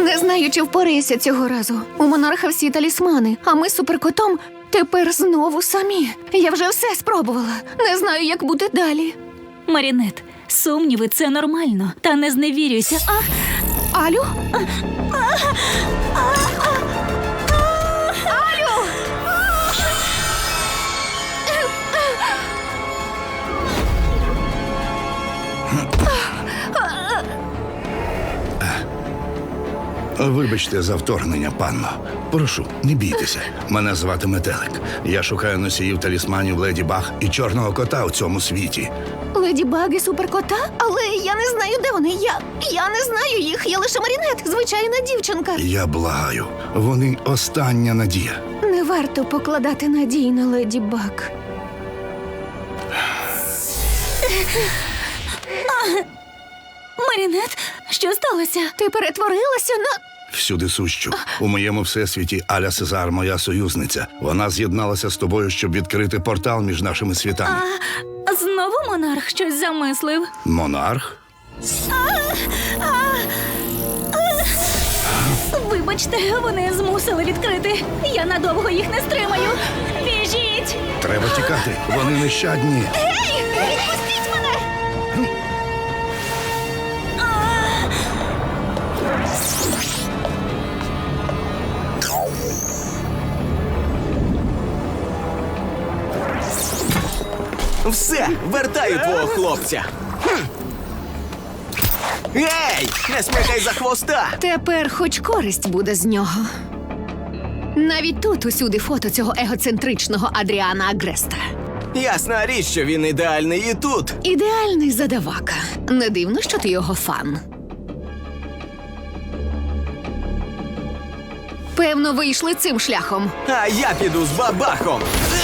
Не знаю, чи впорайся цього разу. У монарха всі талісмани, а ми з суперкотом тепер знову самі. Я вже все спробувала. Не знаю, як буде далі. Марінет, сумніви – це нормально. Та не зневірюйся. Алю? Алю! Вибачте за вторгнення, панно. Прошу, не бійтеся. Мене звати Метелик. Я шукаю носіїв талісманів Леді Баг і Чорного кота у цьому світі. Леді Баг і суперкота? Але я не знаю, де вони. Я не знаю їх. Я лише Марінет, звичайна дівчинка. Я благаю, вони остання надія. Не варто покладати надій на Леді Баг. Марінет, що сталося? Ти перетворилася на... Всюди сущу. У моєму всесвіті Аля Сезар, моя союзниця. Вона з'єдналася з тобою, щоб відкрити портал між нашими світами. Знову монарх щось замислив? Монарх? Вибачте, вони змусили відкрити. Я надовго їх не стримаю. Біжіть! Треба тікати. Вони нещадні. Ей! Відпустіть мене! Все, вертаю твого хлопця. Ей, не смикай за хвоста! Тепер хоч користь буде з нього. Навіть тут усюди фото цього егоцентричного Адріана Агреста. Ясна річ, що він ідеальний і тут. Ідеальний задавака. Не дивно, що ти його фан. Певно, вийшли цим шляхом. А я піду з бабахом.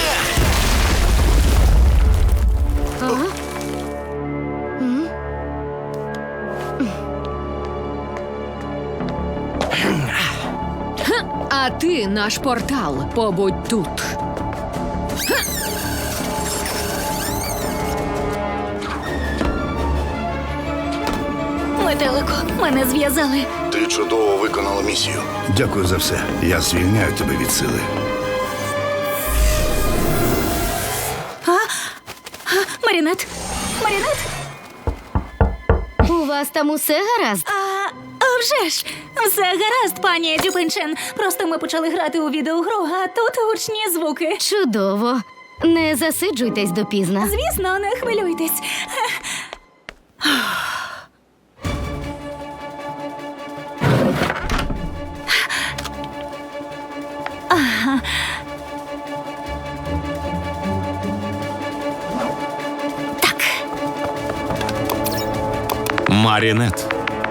А ти, наш портал, побудь тут. Метелико, мене зв'язали. Ти чудово виконала місію. Дякую за все. Я звільняю тебе від сили. Марінет! Марінет! У вас там усе гаразд? А вже ж! Все гаразд, пані Дюпенчен. Просто ми почали грати у відеогру, а тут гучні звуки. Чудово. Не засиджуйтесь допізна. Звісно, не хвилюйтесь. Марінет.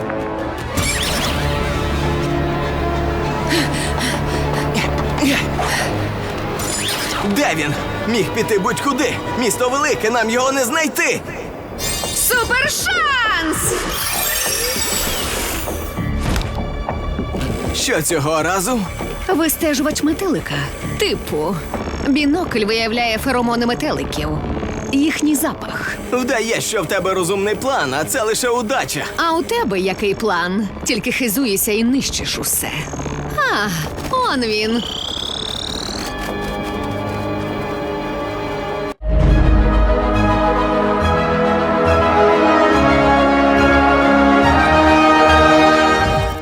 Де він? Міг піти будь-куди. Місто велике, нам його не знайти. Супершанс! Що цього разу? Вистежувач метелика. Типу, бінокль виявляє феромони метеликів. Їхній запах. Вдає, що в тебе розумний план, а це лише удача. А у тебе який план? Тільки хизуєшся і нищиш усе. А, он він.